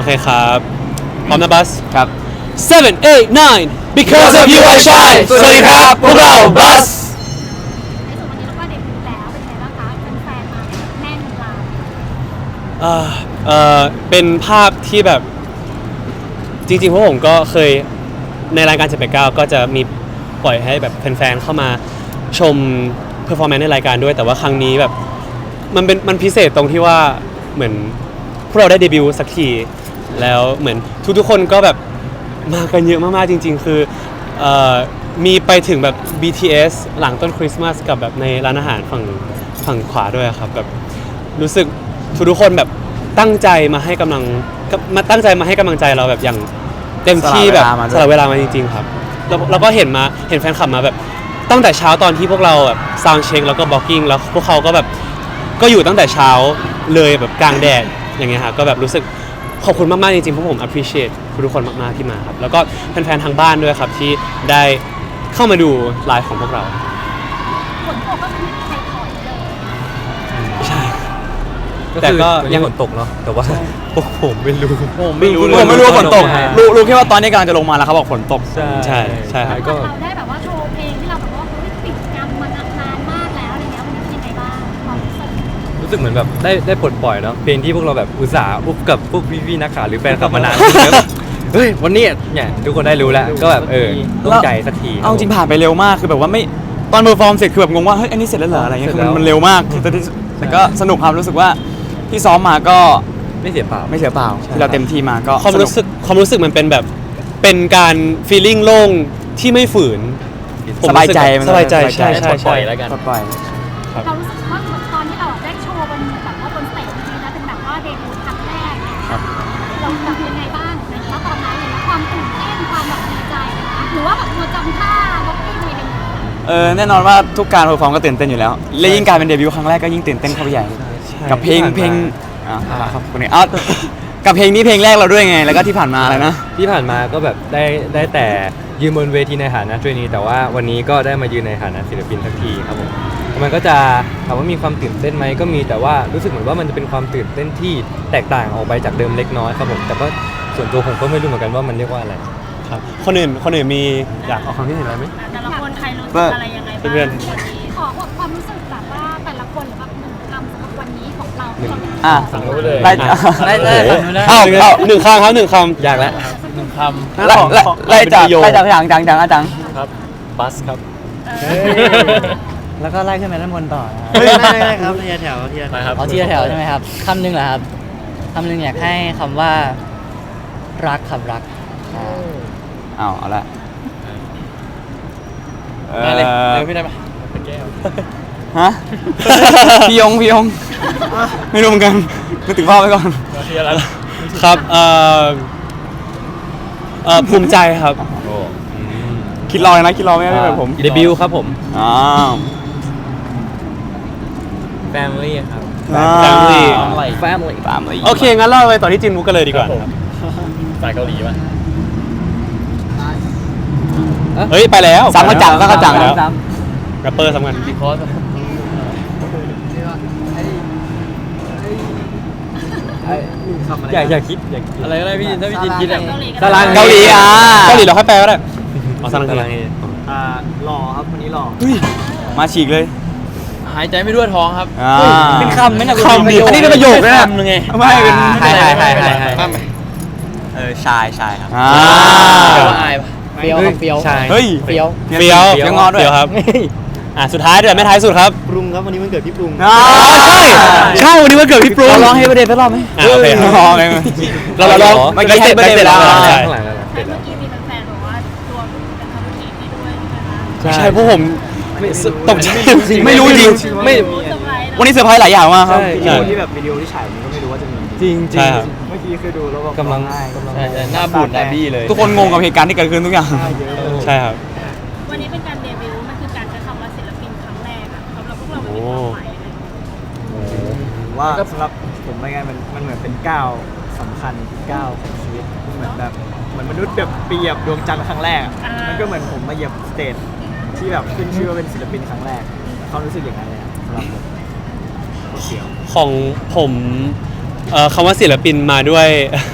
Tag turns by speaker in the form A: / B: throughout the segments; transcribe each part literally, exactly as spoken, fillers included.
A: เคครับพร้อมนะบัส
B: ครับ
A: seven eight nine because of you I shine สวัสดีครับพวกเราบัส
C: ในส่วนวันนี้เราก็เดบิวต์แล้วเป็นไงบ้างคะแฟนๆมาแน่นร้าน
A: เอ่อเอ่อเป็นภาพที่แบบจริงๆพวกผมก็เคยในรายการเจ็ดแปดเก้าก็จะมีปล่อยให้แบบแฟนๆเข้ามาชมเพอร์ฟอร์แมนซ์ในรายการด้วยแต่ว่าครั้งนี้แบบมันเป็นมันพิเศษตรงที่ว่าเหมือนพวกเราได้เดบิวต์สักทีแล้วเหมือนทุกๆคนก็แบบมากันเยอะมากๆจริงๆคือเอ่อมีไปถึงแบบ บี ที เอส หลังต้นคริสต์มาสกับแบบในร้านอาหารฝั่งฝั่งขวาด้วยครับแบบรู้สึกทุกๆคนแบบตั้งใจมาให้กำลังมาตั้งใจมาให้กำลังใจเราแบบอย่างเต็มที่แบบสละเวลามาจริงๆครับแล้วเราก็เห็นมาเห็นแฟนคลับมาแบบตั้งแต่เช้าตอนที่พวกเราแบบซาวด์เช็คแล้วก็บล็อกกิ้งแล้วพวกเขาก็แบบก็อยู่ตั้งแต่เช้าเลยแบบกลางแดดอย่างเงี้ยครับก็แบบรู้สึกขอบคุณมากๆจริงๆเพราะผม appreciate ทุกคนมากๆที่มาครับแล้วก็แฟนๆทางบ้านด้วยครับที่ได้เข้ามาดูไลฟ์ของพวกเรา
C: ฝนตกก็ไม่มีใครถอยเลย
A: ใช่
B: แต่ก็ยังฝนตกเนาะแต่ว่าพวกผมไม่รู้
A: ผมไม่รู้
B: ผมไม่รู้ว่าฝนตกรู้รู้แค่ว่าตอนนี้กำลังจะลงมาแล้วเขาบอกฝนตก
A: ใช่ใช่ใช่ครับ
C: ก็เราได้แบบว่าโชว์เพลงที่เราแบบว่าติดจำมานานมากแล้วอะไรเงี้ยวันนี้เป็นยังไงบ้างความรู้สึก
B: รู้สึกเหมือนแบบได้ได้ปลดปล่อยเนาะเพลงที่พวกเราแบบอุตส่าห์อุบกับพวกพี่ๆนักข่าวหรือแฟนคลับมานานเฮ้ยวันนี้เนี่ยทุกคนได้รู้แล้วก็แบบเออต้องใจสักทีเอาจริงผ่านไปเร็วมากคือแบบว่าไม่ตอนเพอร์ฟอร์มเสร็จคือแบบงงว่าเฮ้ยอันนี้เสร็จแล้วเหรออะไรเงี้ยคือมันเร็วมากแต่ก็สนุกครับรู้สึกว่าที่ซ้อมมาก็ไม่เสียเปล่าไม่เสียเปล่าที่เราเต็มที่มาก็
A: ความรู้สึกความรู้สึกมันเป็นแบบเป็นการฟีลลิ่งโล่งที่ไม่ฝืน
B: สบายใจ
A: สบายใจใช่ใช่
B: ปล่อยแล้วกัน
C: เรารู้สึกว่าเหมือนตอนที่เราได้โชว์บนแบบว่าบนสเตจนี้นะเป็นแบบว่าเดบิวต์ครั้งแรกเราแบบยังไงบ้างนะตอนนั้นเลยความตื่นเต้นความแบบดีใจนะหรือว่าแบบเราจำท่าบล็อกกิ้งอะไรกัน
B: เออแน่นอนว่าทุกการเพอร์ฟอร์มก็ตื่นเต้นอยู่แล้วและยิ่งการเป็นเดบิวต์ครั้งแรกก็ยิ่งตื่นเต้นเข้าไปใหญ่กับเพลงเพลงอ่าครับคนนี้อ้าวกับเพลงนี้เพลงแรกเราด้วยไงแล้วก็ที่ผ่านมาอะไรนะที่ผ่านมาก็แบบได้ได้แต่ยืนบนเวทีในฐานะทรนีแต่ว่าวันนี้ก็ได้มายืนในฐานะศิลปินสักทีครับผมมันก็จะถามว่ามีความตื่นเต้นไหมก็มีแต่ว่ารู้สึกเหมือนว่ามันจะเป็นความตื่นเต้นที่แตกต่างออกไปจากเดิมเล็กน้อยครับผมแต่ก็ส่วนตัวผมก็ไม่รู้เหมือนกันว่ามันเรียกว่าอะไร
A: ครับคนอื่นคนอื่นมีอยากเอาความคิดเห็นอะไรไหม
C: แต่ละคนใครรู้สึกอะไรยังไงบ้างวันนี้ขอความรู้สึกแบบว่าแต่ละคนหรือแบบหนึ่งคำสำหรับวันนี้ของเรา
B: อ่ะ
A: สั่งเลย
B: ได้
A: ได้ได้
B: เอาเอา
A: หนึ่งคำครับหนึ่งคำ
B: อยากแล้ว
A: หนึ่งคำ
B: ไล่ไล่จากไล่จากจังจังจังจัง
A: ครับบัสครับ
D: แล้วก็ไล่ขึ้นไปด้านบนต่อ
E: ไม่ไม่ไม่ครับทีละแถวทีละแถว
D: เอาทีละแถวใช่ไหมครับคำหนึ่งเหรอครับคำหนึ่งอยากให้คำว่ารักครับรัก
B: เอาเอาละ
A: ได้เลยเดี๋ยวพี่ได้ปะ
B: ฮะพี่ยงพี่ยงไม่รู้เหมือนกันไม่ถึงพ่อไปก่อน
A: ครับเอ่อเอ่อภูมิใจครับ
B: คิดรอเลยนะคิดรอไม่ได้แบบผม
A: เดบิวต์ครับผม
B: อ้าว
E: family ครับ
A: family
B: family family
A: โอเคงั้นเราไปต่อที่จินมุกกันเลยดีกว่าครับ
E: สายเกาหลีป่ะ
A: เฮ้ยไปแล้ว
B: ซ้ำกระจังก็กระจัง
A: แล้วแรปเปอร์สำคัญ
E: คอร์ส
B: อยากอยากคิดอยาก
E: อะไรก็ได้พี่ถ้าพี่จินคิดอะ
B: สลังเกาหลีอ่ะ
A: เกาหลีเราค่อยแปลก็ได้เอาสลังเกาหลี
E: อ่าหล่อครับวันนี้หล่อ
B: มาฉีกเลย
E: หายใจไม่ทั่วท้องครับ
B: เป็นคำไม่นะ
A: คำ
B: อันนี้เป็นประโยคนะ
E: คำนึงไง
B: ไม่เป็น
D: ใช่ใช่ใช่ใช่
E: เออชายชายครับ
B: อ่า
E: แปลว่าอายปะ
D: เฟี้ยวเฟี้ยว
B: เฮ้ย
D: เฟี้ยว
A: เฟี้ยว
B: เฟี้ยวงอด้วย
A: ครับอ่ะสุดท้ายเดี๋ยวไม่ท้ายสุดครับ
E: ปรุงครับวันนี้มันเกิดพี่ปรุง
A: อ๋อใช่ใช่วันนี้วันเกิดพี่ปรุง
B: เราร้องให้ประเด็นไปรอบไหม
A: โอเคร้องเราเราร้อง
B: เมื่อกี้ให้ประเด็นไปแล้ว
C: เมื่อกี้มีแฟนๆบอกว่าตัวเป็นคำพูดที่ด้วยใช่ไหมคะ
A: ใช่พวกผมตกใจ
B: ไม่รู้จริงไม่วันนี้เซอร์ไพรส์หลายอย่างมากครับ
E: วิดีโอที่แบบวิดีโอที่ฉายมันก็ไม่รู้ว่าจะมี
B: จริงจริง
E: เมื่อกี้คือดูแล้วแบบ
B: กำลัง
E: หน้าบูดหน้าบี้เลย
B: ทุกคนงงกับเหตุการณ์ที่เกิดขึ้นทุกอย่าง
A: ใช่ครับ
C: วันนี้เป็นการเดบิวต์มันคือการใช้คำว่าศิลปินครั้งแรกอะสำหรับพวกเราเป็นความหมายอะไร
E: ว่าสำหรับผมไม่ไงมันมันเหมือนเป็นก้าวสำคัญก้าวของชีวิตเหมือนแบบเหมือนมนุษย์แบบเปรียบดวงจันทร์ครั้งแรกมันก็เหมือนผมมาเหยียบสเตจที่แบบขึ้นชื่อว่าเป็นศิลปินครั้งแรกเขารู้สึกอย่างไรเลยสำหรับผม
A: ของผมคำว่าศิลปินมาด้วย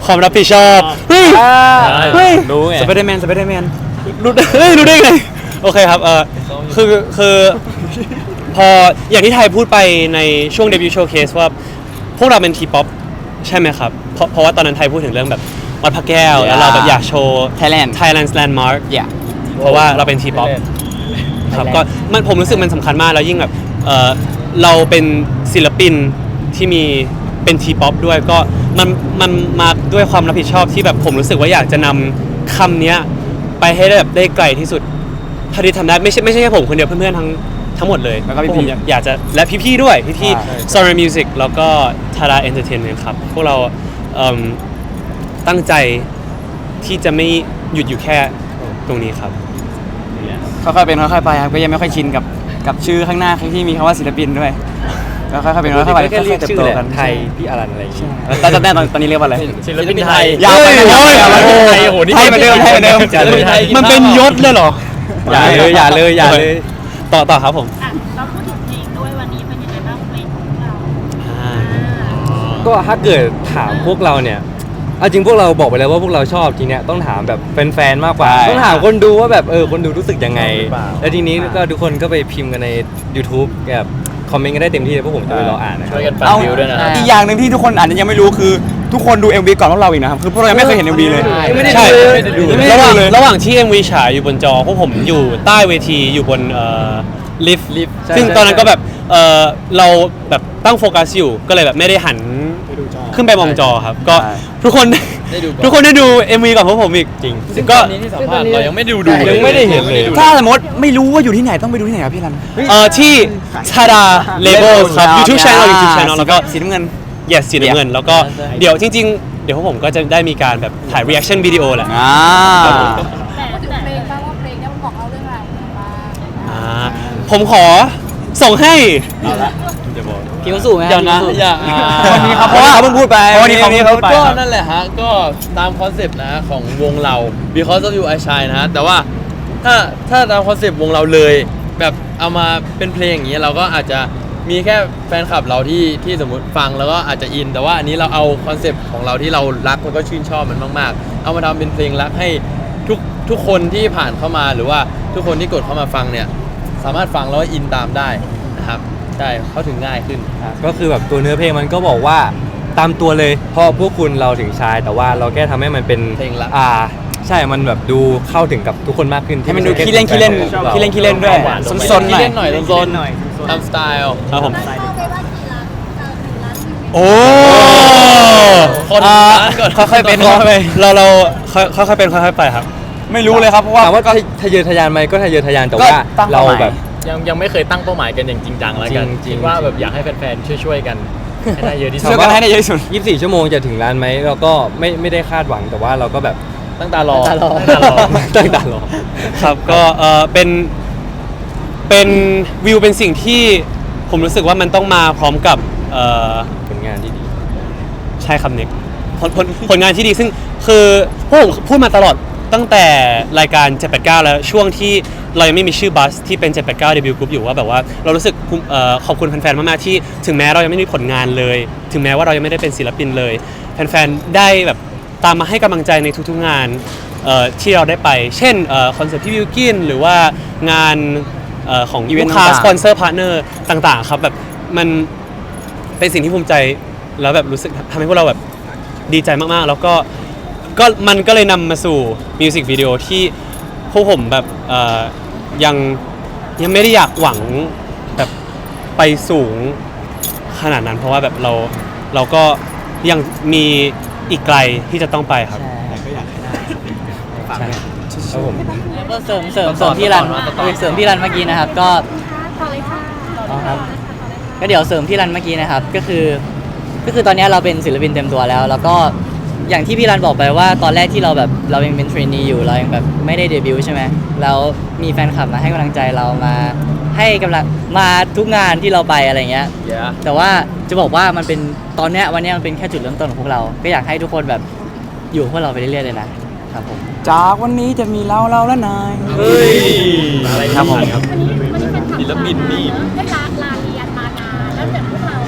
A: ความรับผิดชอบเฮ้ยเฮ้ย
F: รู้ไง
B: สไปเดอร์แมนสไปเดอร์แมน
A: รู้ได้เฮ้ยรู้ได้ไงโอเคครับเออคือคือพออย่างที่ไทยพูดไปในช่วงเดบิวต์โชว์เคสว่าพวกเราเป็นทีป๊อปใช่ไหมครับเพราะเพราะว่าตอนนั้นไทยพูดถึงเรื่องแบบวัดพระแก้ว แล้วเราแบบอยากโชว์
B: Thailand
A: Thailand's Landmark
B: อย่า
A: เพราะว่าเราเป็นทีป๊อปครับก็มันผมรู้สึกมันสำคัญมากแล้วยิ่งแบบเออเราเป็นศิลปินที่มีเป็นทีป๊อปด้วยก็มันมันมาด้วยความรับผิดชอบที่แบบผมรู้สึกว่าอยากจะนำคำเนี้ยไปให้ได้แบบได้ไกลที่สุดเท่าที่ทำได้ไม่ใช่ไม่ใช่แค่ผมคนเดียวเพื่อนๆทั้งทั้งหมดเลย
B: แล้วก็พี่
A: พวผมอยากอยากจะและพี่ๆด้วยพี่
B: ใช่
A: ๆ Sora Music แล้วก็ Tara Entertainment ครับพวกเราเอิ่มตั้งใจที่จะไม่หยุดอยู่แค่ตรงนี้ครับ
B: ค่อยๆเป็นค่อยๆไปครับก็ยังไม่ค่อยชินกับกับชื่อข้างหน้าที่มีคำว่าศิลปินด้วยก็ค่อยๆเป็นค่อยๆไป
F: แค่เรียก
B: ค่อยๆ
F: ชื่อ
B: เติบ
F: แห
B: โต
F: ละ
B: กัน
F: ไทยพี่อรันอะไรอย่างเงี้ย
B: แล้วจำได้ตอนตอนนี้เรียกว่าอะไร
F: ศิลปินไทย
B: ยาวไป
A: เฮ้ย
B: ยาวไป
A: โอ้ย
B: ไทย
F: โอ้โหนี่
B: ไทยเหมือนเดิมไทยเหมือนเดิม
F: ศิลปินไทย
A: มันเป็นยศเลยเหรอ
F: อย่าเลยอย่าเลยอย่าเลย
A: ต่อต่อครับผม
C: อ่ะเราพูดถึงเพลงด้วยวันนี้เป็นยังไงบ้างเพลงของเรา
F: ก็ถ้าเกิดถามพวกเราเนี่ยเอาจริงพวกเราบอกไปแล้วว่าพวกเราชอบจริงเนี่ยต้องถามแบบแฟนๆมากกว่า
B: ใช่
F: ต้องถามคนดูว่าแบบเออคนดูรู้สึกยังไง
E: ชอบหรือเปล่า
F: แล้วทีนี้ก็ทุกคนก็ไปพิมพ์กันใน YouTube แบบคอมเมนต์กันได้เต็มที่เลยพวกผมจะไปรออ่านนะครับ
B: เอาอีกอย่างหนึ่งที่ทุกคนอาจจะยังไม่รู้คือทุกคนดู เอ็ม วี ก่อนพวกเราอีกนะครับคือพวกเรายังไม่เคยเห็น เอ็ม วี เลย
F: ไม่ได้
A: ใช่
F: ดูเลย
A: ระหว่างระหว่างที่ เอ็ม วี ฉายอยู่บนจอพวกผมอยู่ใต้เวทีอยู่บนเอ่อลิฟต์
F: ลิฟต์ใช่
A: ซึ่ง
F: ใช่
A: ตอนนั้นก็แบบเออเราแบบตั้งโฟกัสอยู่ก็เลยแบบไม่ได้หันขึ้นไปมองจอครับ ก็
B: ใช่
A: ทุกคน
F: ได้ดูก่อน
A: ทุกคนได้ดู เอ็ม วี ก่อนพวกผมอีก
F: จริง
A: ก็
F: ที่สัมภาษณ์เรายังไม่ดูดูยังไม่ได้เห็นเลย
B: ถ้าสมมติไม่รู้ว่าอยู่ที่ไหนต้องไปดูที่ไหนครับพี่รัน
A: เอ่อที่ Tara Labels ครับ YouTube Channel YouTube Channel แล้วก็
B: สีน้ำเงิน
A: yes สีน้ำเงิน แล้วก็
F: ใช่
A: เดี๋ยวจริง ๆ เดี๋ยวพวกผมก็จะได้มีการแบบถ่าย reaction วิดีโอแหละ
B: อ่า
C: แต่
G: พูดถึง
C: แต่
G: เพลงบ้างว่าเพลงเนี้มันบอกเราเรื่องราวอะไรบ้าง
A: อ่าผมขอส่งให้
D: พี่เขาสู่ไหม
F: เดี๋ยวนะ
D: พี่
F: อย่า
B: วันนี้ครับเพราะว่าเขาเพิ่งพูดไป
E: วันนี้เขา
B: เขา
E: พูดไป
H: ก็นั่นแหละฮะ ก็ตามคอนเซปต์นะฮะของวงเรา because of you I shine นะฮะ แต่ว่าถ้าถ้าตามคอนเซปต์วงเราเลย แบบเอามาเป็นเพลงอย่างนี้เราก็อาจจะมีแค่แฟนคลับเราที่ที่สมมติฟังแล้วก็อาจจะอิน แต่ว่าอันนี้เราเอาคอนเซปต์ของเราที่เรารักแล้วก็ชื่นชอบมันมากๆ เอามาทำเป็นเพลงรักให้ทุกทุกคนที่ผ่านเข้ามาหรือว่าทุกคนที่กดเข้ามาฟังเนี่ยสามารถฟังแล้วก็อินตามได้นะครับใช่เข้าถึงง่ายขึ้น
F: ก็คือแบบตัวเนื้อเพลงมันก็บอกว่าตามตัวเลยเพราะพวกคุณเราถึงชาย แต่ว่าเราแค่ทำให้มันเป็น
H: เพลงรัก
F: อ่าใช่มันแบบดูเข้าถึงกับทุกคนมากขึ้น
B: ให้มันดู
F: ไใช่
B: ขี้เล่นขี้เล่น
F: แค่
B: ขี้เล่นขี้เล่นด้วย
H: หวานๆ
B: ซนๆหน่อย
H: ขี้เล่นหน่อยโซน
E: หน่อย
H: ๆตามสไตล์
A: ครับผม
G: ตั้งเป้าไว้ว่ากี่ล้านเอ่อหนึ่งล้านวิว
A: โอ้
H: คน
A: อ่า
H: ร้านก่อน
B: ค่อยๆเป็นค่อยๆไป
A: เราเราค่อยค่อยๆเป็นค่อยๆไปครับ
B: ไม่รู้เลยครับเพราะว่า
F: ถามว่าทะเยอทะยานไหมก็ทะเยอทะยานแต่ว่า
B: ก็ตั้ง
F: เรา
B: เป้าหมาย
F: แบบ
H: ยังยังไม่เคยตั้งเป้าหมายกันอย่างจริงจังแล้วกัน
F: จริงๆ
H: คิดว่าแบบอยากให้แฟนๆช่วยๆกันให้ได้เยอะที่สุ
B: ช่วย
H: ด
B: กันให้ได้เยอะที่สุด
F: ยี่สิบสี่ชั่วโมงจะถึงร้านไหมเราก็ไม่ไม่ได้คาดหวังแต่ว่าเราก็แบบ
H: ตั้งตารอ
D: ตั้งตารอ
H: ตั้งตารอ
F: ตั้งตารอ
A: ครับก็เออเป็นเป็นวิวเป็นสิ่งที่ผมรู้สึกว่ามันต้องมาพร้อมกับเออ
F: ผลงานที่ดี
A: ใช่ครับเน็กผลผลผลงานที่ดีซึ่งคือพวกผมพูดมาตลอดตั้งแต่รายการเจ็ดแปดเก้าแล้วช่วงที่เรายังไม่มีชื่อบัสที่เป็นเจ็ดแปดเก้าเดบิวต์กรุ๊ปอยู่ว่าแบบว่าเรารู้สึกภูมิเอ่อขอบคุณแฟนๆมากๆที่ถึงแม้เรายังไม่มีผลงานเลย ถึงแม้ว่าเรายังไม่ได้เป็นศิลปินเลยแฟนๆได้แบบตามมาให้กำลังใจในทุกๆงานเอ่อที่เราได้ไป เช่นคอนเสิร์ตพี่วิวกินหรือว่างานเอ่อของ
B: อีเวนต์
A: ลูกค้า
B: ต่างๆ
A: สปอนเซอร์พาร์ทเนอร์ต่างๆครับแบบมันเป็นสิ่งที่ภูมิใจแล้วแบบรู้สึกทำให้พวกเราแบบดีใจมากๆ แล้วก็ก็มันก็เลยนำมาสู่มิวสิกวิดีโอที่พวกผมแบบเอ่อยังยังไม่ได้อยากหวังแบบไปสูงขนาดนั้น เพราะว่าแบบเราเราก็ยังมีอีกไกลที่จะต้องไปครับ
E: แต่ก็อยากให้ได้ฝาก
A: ใช่
E: ด้วย
F: ครับผม
D: แล้วก็เสริมเสริมเสริมพี่รันเสริมพี่รันเมื่อกี้นะครับ ก็
C: ต่อเลยค่ะ
D: อ๋อครับ ก็เดี๋ยวเสริมพี่รันเมื่อกี้นะครับ ก็คือ ก็คือตอนนี้เราเป็นศิลปินเต็มตัวแล้ว แล้วก็อย่างที่พี่รันบอกไปว่าตอนแรกที่เราแบบเรายังเป็นเทรนนีอยู่เรายังแบบไม่ได้เดบิวต์ใช่ไหมแล้วมีแฟนคลับมาให้กำลังใจเรามาให้กำลังมาทุกงานที่เราไปอะไรเงี้ย
H: Yeah
D: แต่ว่าจะบอกว่ามันเป็นตอนเนี้ยวันเนี้ยมันเป็นแค่จุดเริ่มต้นของพวกเรา ก็อยากให้ทุกคนแบบอยู่กับพวกเราไปเรื่อยๆเลยนะครับผม
B: จากวันนี้จะมีเราเราและนาย
H: เฮ้ยอะไร
B: ครับผม
H: ครับ
C: วันนี้วันนี้เป็น
H: ศิลปินนี่
C: ได้ลาลาเรียนมานานแล้วเดี๋ยวพวกเรา
D: ใช่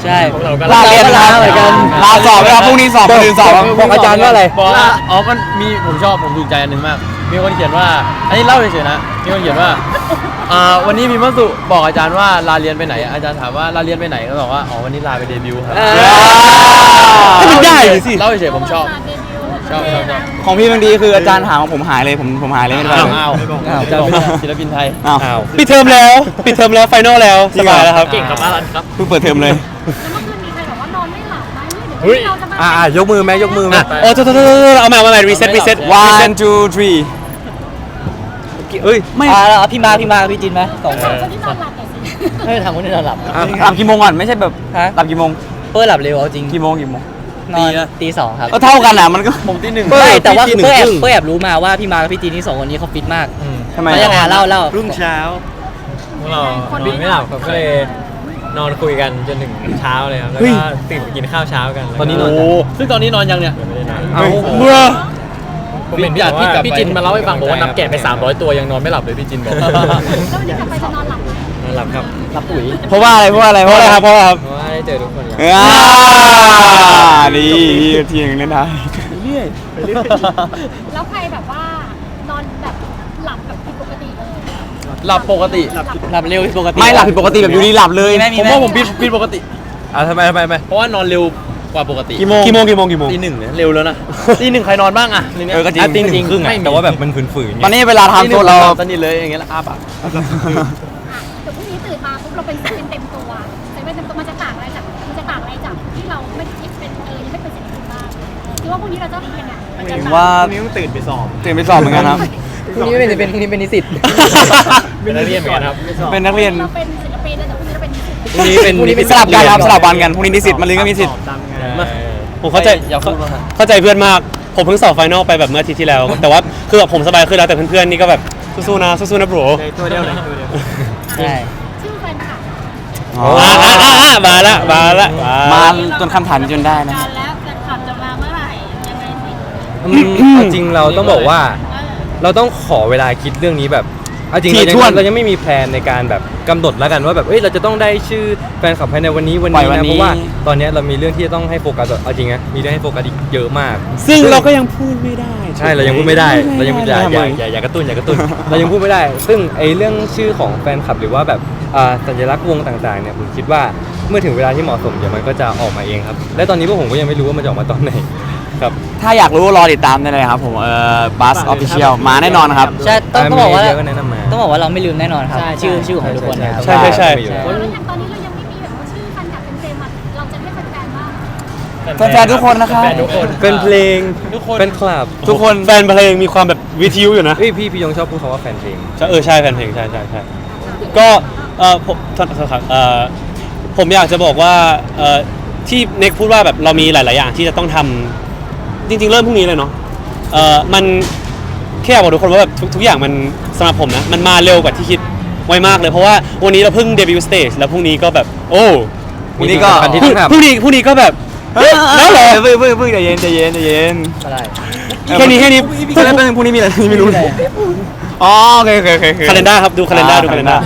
D: ใช่
F: พวกเราก็
B: ลาเรียน
D: ลาเหมือนกัน
B: ลาสอบไหมครับพรุ่งนี้สอบคนอื่นสอบ
F: บอกอาจารย์ว่าอะไร
H: บอกว่าอ๋อก็มีผมชอบผมถูกใจอันหนึ่งมาก มีคนเขียนว่า อันนี้เล่าเฉยๆนะ มีคนเขียนว่าอ่าวันนี้มีมัสุบอกอาจารย์ว่าลาเรียนไปไหน อาจารย์ถามว่าลาเรียนไปไหนก็บอกว่าอ๋อวันนี้ลาไปเดบิวต์ครับ
A: ให้มันได้เลยสิ
H: เล่าเฉยๆผมชอบ
C: เดบิวต์
H: ชอบชอบชอบ
B: ของพี่บางทีคืออาจารย์ถามว่าผมหายเลยผมผมหายเลยไม่ได้ไปเลย
H: อ้าว
F: อ้าว
H: จะบอกว่าศิลปินไทย
B: อ้าว
F: อ้าว
A: ปิดเทอมแล้ว ปิดเทอมแล้วไฟนอลแล้วสบายแล้วครับ
H: เก่งกับอารันครับ
B: เพิ่งเปิดเทอมเลย
C: แล้วเมื่อคืนมีใครบอกว่านอนไม่หลับไหมเดี๋ยว
F: เฮ้ย
C: เราจะมา
F: อ่าอ่ายกมือไหมยกมือไหม
A: อ่ะโอ้โทษโทษโทษโทษเอาใหม่เอาใหม่รีเซ็ตรีเซ็ต
B: one two three
F: เอ้ย
B: ไม่
D: อ่าแล้วพี่มาพี่มาพี่จินไหมสองค
C: ถาม
D: น
C: คนที่นอนหลับหน่อยสิ
D: ไม่ทำคนที่นอนหลับ
F: อ่ะ
B: หลับกี่โมงก่อนไม่ใช่แบบ
D: ฮะ
B: หลับกี่โมง
D: เปิ้ลหลับเร็วเอาจริง
B: กี่โมงกี่โมง
D: นอนตีสองครับ
B: ก็เท่ากันอ่ะมันก็
H: ผมที่หนึ่ง
F: เปิ้ล
D: ไม่แต่ว่า
F: พี่จีน
D: เปิ้ลแอบ
F: หนึ่งครึ่ง
D: เปิ้ลแอบรู้มาว่าพี่มากับพี่จีนนี่สองคนนี้เขาฟิตมาก
B: ทำไม
D: แล้วยังไงเล่าเล่า
I: รุ่งเช้าพวกเรานอนไม่หลับครับก็เลยนอนคุยกันจนถึงเช้าเลยครับ แล้วก็ตื่นไปกินข้าวเช้ากันแล้วก็
F: ตอนนี้นอน
H: โอ้ซึ่งตอนนี้นอนยังเนี่ย
I: ยังไม่ได้นอน
F: เอา
A: เมื่อ
I: ผมเห็นพี่อาพี่พี่จินมาเล่าให้ฟังบอกว่านับแกะไปสามร้อยตัวยังนอนไม่หลับเลยพี่จินบอก
C: แล้ววันนี้กลับไปจะนอนหลับไหม
I: นอนหลับครับ
D: รับปุ๋ย
B: เพราะว่าอะไรเพราะว่าอะไร
A: เพราะอะไรครับเพราะอะไรครับ
I: เพราะว่าได้เจอทุกคนครับ
B: อ่าดีทีหนึงเล่นได้
C: แล้วใครแบบว่านอนแบบหลับแบบผิดปกติเลย
H: หลับปกติ
C: หลับ
D: หลับเร็วผิดปกติ
B: ไม่หลับผิดปกติแบบอยู่ดีหลับเลย
D: มีไหม
H: ผมว่าผมผิดผิดปกติ
F: อ่ะทำไมทำไมทำไม
H: เพราะว่านอนเร็วกว่าปกติ
B: กี่โมง
A: กี่โมงกี่โมงกี่โมง
H: ตีหนึ่งเนี่ยเร็วแล้วนะ ตีหนึ่งใครนอนบ้างอะในนี้ย
B: เออก็จริง
F: อ่ะตีหนึ่งครึ่งอ่ะแต่ว่าแบบมันฝืนๆไง
B: ตอนนี้เวลา
H: ตี
B: ทำ
H: ห
B: โซ
H: นึ่ง
B: นเรา
H: สนิทเลยอย่างเงี้ยแล้วอ้าปาก
C: อ่ะเดี๋ยวพรุ่งนี้ตื่นมาปุ๊บเราเป็นศิลปินเต็มตัวศิลปินเต็มตัวมันจะต่างอะไรจากมันจะต่างอะไรจากที่เราไม่คิดเป็นเออยังไม่เป็นศิลปินบ้างคิดว่าพรุ่งนี้เราจะเป็นยังไงมันจะ
B: ถึง
C: ต่าง
B: ว่า
E: พรุ่งนี้ต้องตื่นไปสอบ
B: ตื่นไปสอบเหมือนกันครับ
D: พรุ่งนี้ไม่เป็นเป็นพรุ่งนี้เป็นนิสิต
I: เป็นนักเรียนเหมือนกันครับ
B: เป็นนักเรียน
C: เราเป็นศิลปินแล้วแต่พรุ่งนี้เราเป็นนิสิต
F: พรุ่งนี้เป็น
D: พรุ่งนี้เป็น
B: สลับกันครับสลับวันกันพรุ่งนี้นิสิตมันลืนก็มีสิทธิ์
E: สอบตามงาน
F: มา
A: ผมเข้าใจ
H: อย่าพูดมาก
A: เข้าใจเพื่อนมาก ผมเพิ่งสอบไฟนอลไปแบบเมื่ออาทิตย์ที่แล้ว แต่ว่าคือแบบผมสบายขึ้นแล้วแต่เพื่อนๆนี่ก็แบบสู้ๆนะสู้ๆนะโบร
E: ในตัวเดียวเลยตัวเดียว
D: ใช่
C: ชื่อแฟนคลับ
B: อ๋อ
A: อ่าอ่าอ่าอ่ามาละมาละมา
B: มา
A: ละ
B: จนคำถามจนได้นะ
C: การแล้วแฟนคลับจะมาเมื่อไหร่ยังไงสิ
F: อืมเอาจริงเราต้องบอกว่า เราต้องขอเวลาคิดเรื่องนี้แบบเอาจริง
B: ถี่
F: เรา
B: ถ้วน
F: ยังเรายังไม่มีแพลนในการแบบกำหนดแล้วกันว่าแบบเอ้ยเราจะต้องได้ชื่อแฟนคลับภายในวันนี้วัน
B: ปล่อ
F: นี้
B: ยวัน
F: นะ
B: นี้
F: เพราะว่าตอนเนี้ยเรามีเรื่องที่จะต้องให้โฟกัสเอาจริงนะมีเรื่องให้โฟกัสอีกเยอะมาก
A: ซึ่งเราก็ยังพูดไม่ได้
F: ใช่เรายังพูดไม่ได้เรายังอย่าอย่า
B: ทำไม
F: อย่าอย่ากระตุ้นอย่ากระตุ้น เรายังพูดไม่ได้ ซึ่งไอ้เรื่องชื่อของแฟนคลับหรือว่าแบบอ่าสัญลักษณ์วงต่างๆเนี่ยผมคิดว่าเมื่อถึงเวลาที่เหมาะสมเดี๋ยวมันก็จะออกมาเองครับและตอนนี้พวกผมก็ยังไม่รู้ว่ามันจะออกมาตอนไหนครับ
B: ถ้าอยากรู้รอติดตามได้เลยครับผมเอ่อบัสออฟฟิเชียลมาแน่นอนครับ
D: ใช่ต้องต้องบอกว่า
F: เยอะก็แนะนำมา
D: ต้องบอกว่าเราไม่ลืมแน่นอนครับ ชื่อชื่อของทุกคนนะครับ
A: ใช่ใช่ใช่
F: อยู่แล้ว
C: แล้วอย่างตอนนี้เรายังไม่มีแบบว่าชื่อแฟนคลับเป็นเจมส์อะเราจะให้แฟนๆบ้าง
B: แฟนๆทุกคนนะครับ
I: แฟนทุกคน
F: เป็นเพลง
H: ทุกคน
F: เป็นคลับ
B: ทุกคน
A: แฟนเพลงมีความแบบวิทยุอยู่นะ
F: เอ้ยพี่พี่ยงชอบพูดคำว่าแฟนเพลง
A: ใช่เออใช่แฟนเพลงใช่ใช่ใช่ก็เออผมโทษโทษครับเออผมอยากจะบอกว่าเออที่เน็กพูดว่าแบบเรามีหลาย ๆ อย่างที่จะต้องทำจริง ๆ เริ่มพรุ่งนี้เลยเนาะเออมันแค่อยากบอกทุกคนว่าแบบทุกทุกอย่างมันสำหรับผมนะมันมาเร็วกว่าที่คิดไวมากเลยเพราะว่าวันนี้เราเพิ่งเดบิวต์สเตจแล้วพรุ่งนี้ก็แบบโอ้
B: พรุ่งนี้ก็
F: มีสิ่งสำคัญที่ต้องทำ
A: พรุ่งนี้พรุ่งนี้ก็แบบ
B: แล้วเหรอเพิ่งเพิ่งเพิ่งใจเย็นใจเย็นใจเย็น
D: อะไร
B: แค่นี้แค่นี้พรุ่งนี้พรุ่งนี้มีอะไรไม่รู้อ๋อโอเคโอเคโอเคโอเค
A: คาล endar ครับดูคาล endar ดูคาล endar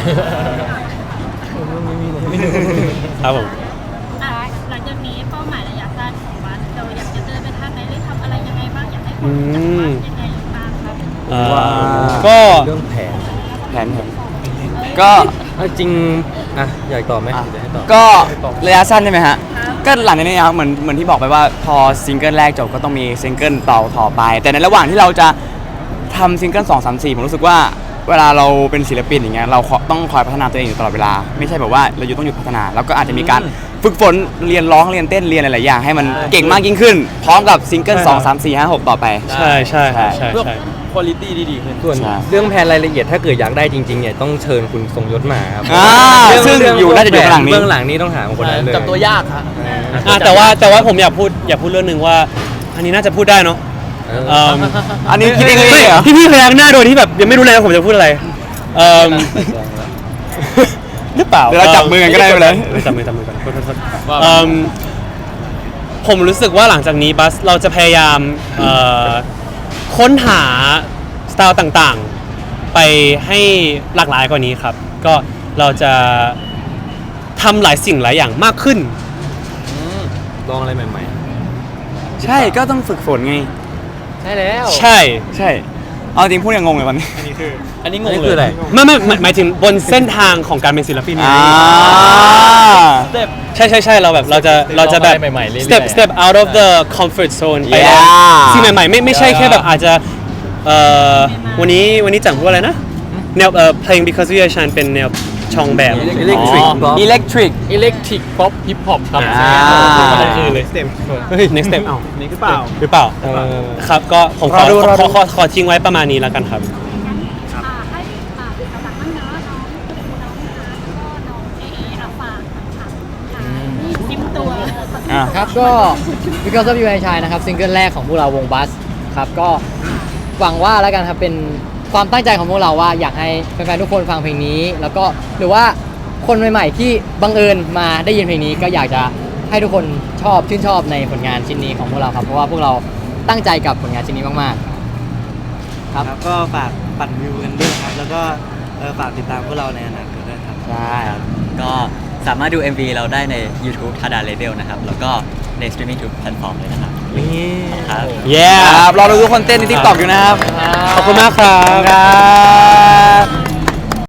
A: ครับผม
C: อ่ะหลังจากนี้เป้าหมายระยะสั้นของวัดเราอยากจะเดินไปทางไหนหรือทำอะไรยังไงบ้างอยากให้คนรู้จักวัดยังไงบ้างครับ
A: เอ่อ
B: ว้าว
A: ก็
F: เรื่องแผน
B: แผนผมก็
F: เอาจริงอ่ะอยากตอบไหม
B: อ่ะ
F: เดี๋ยวให้ตอบ
B: ก็ระยะสั้นใช่ไหมฮะ ก็หลังจากนี้ครับเหมือนเหมือนที่บอกไปว่าพอซิงเกิลแรกจบก็ต้องมีซิงเกิลต่อต่อไป แต่ในระหว่างที่เราจะทำซิงเกิลสองสามสี่ผมรู้สึกว่าเวลาเราเป็นศิลปินอย่างเงี้ยเราต้องคอยพัฒนาตัวเองอยู่ตลอดเวลา ไม่ใช่แบบว่าเราอยู่ต้องหยุดพัฒนาแล้วก็อาจจะมีการฝึกฝนเรียนร้องเรียนเต้นเรียนหลายๆอย่างให้มันเก่งมากยิ่งขึ้น พร้อมกับซิงเกิลสองสามสี่ห้าหกต่อไป
A: ใช่ใช่ครับใช่
H: เพื่อ
A: ใช่
H: คุณภาพที่ดีขึ้น
F: ส่วน
B: ใช่
F: เรื่องแผนรายละเอียดถ้าเกิดอยากได้จริงๆเนี่ยต้องเชิญคุณทรงยศมาครับ
B: อ่า
F: เรื่
B: ซึ่ง
F: เรื่
B: อยู่น่าจะอยู่ข้างหลังนี้
F: เบื้องหลังนี้ต้องถามคนนั้นเลย
H: จับตัวยากฮะ
A: อ่ะแต่ว่าแต่ว่าผมอยากพูดอยากพูดเรื่องหนึ่งว่า อันนี้น่าจะพูดได้เนาะ
F: เออ
A: เอิ่ม
B: อันนี้คิดเองเลยเหรอ
A: พี่พี่พยักหน้าโดยที่แบบยังไม่รู้เลยว่าผมจะพูดอะไรเอ่อหรือเปล่า
B: เดี๋ยวเราจับมือกันก็ได้ไปเลย
A: ออจับมือจับมือกันโทษโทษโทษเอิ่มผมรู้สึกว่าหลังจากนี้บัสเราจะพยายามเอ่อค้นหาสไตล์ต่างๆ ไปให้หลากหลายกว่านี้ครับ ก็เราจะทำหลายสิ่งหลายอย่างมากขึ้น
F: ลองอะไรใหม่
B: ใช่ก็ต้องฝึกฝนไง
I: ๆใช่แล้ว
A: ใช่
B: ใช่เอาจริงพูดยังงงเลยวันนี้
E: อันนี้คือ
H: อันนี้ง
F: อัน
H: ง
F: นี้
H: เล
F: คือย อะไร
A: ไม่ไม่หมายหมายถึงบนเส้นทางของการเป็นศิลปินไง
B: อ่า
H: สเต็ป
A: ใช่ใช่ใช่เราแบบเราจะเราจะแบบ
H: ลองอะไรใหม่ๆเรื่อยๆ
A: step step out of the comfort zone ไป
B: Yeah
A: สิ่งใหม่ๆไม่ไม่ใช่แค่แบบอาจจะเอ่อวันนี้วันนี้จังพูดอะไรนะแนวเอ่อเพลง because we are shine เป็นแนวช่องแบบ
F: Electric
A: อ๋อ
F: Pop
B: อิเล็กทริก
H: อิเล็กทริกป๊อปฮิปฮอปครับ
A: อ่า
H: อะไรคือเลย
E: เต็ม
A: เฮ้ย next step เอ้า
E: นี่หรือเปล่า
A: หรือเปล่า
F: เออ
A: ครับก็ผมขอ
B: รอดู
A: ข
B: ร
A: อ
B: อดู
A: ขอขอขอทิ้งไว้ประมาณนี้แล้วกันครับ
C: งั้นอ่าให้อ่าสำหรับน้องๆน้องคุณน้องนะคะแล้วก็น้องเอเออาฝากค่ะค่ะนี่ซิมตัว
B: อ่า
D: ครับก็ because of you I shine นะครับซิงเกิลแรกของพวกเราวงบัสครับก็หวังว่าแล้วกันครับเป็นความตั้งใจของพวกเราว่าอยากให้แฟนๆทุกคนฟังเพลงนี้ แล้วก็หรือว่าคนใหม่ๆที่บังเอิญมาได้ยินเพลงนี้ก็อยากจะให้ทุกคนชอบชื่นชอบในผลงานชิ้นนี้ของพวกเราครับเพราะว่าพวกเราตั้งใจกับผลงานชิ้นนี้มากๆครับ
J: ครับก็ฝากปั่นวิวกันด้วยครับ แล้วก็เออฝากติดตามพวกเราในอนาคตด้วยครับ
D: ใช่
K: ก็สามารถดู เอ็ม วี เราได้ใน YouTube ทาดาเลเ e ลนะครับ แล้วก็ในสตรีมมิ่งทุกแพลตฟอร์มเลยนะครับครับ
A: yeah
B: ครับรอดูทุกคนเต้นในทิกตอกอยู่นะครับ
A: ขอบคุณมากครับ
B: ครับ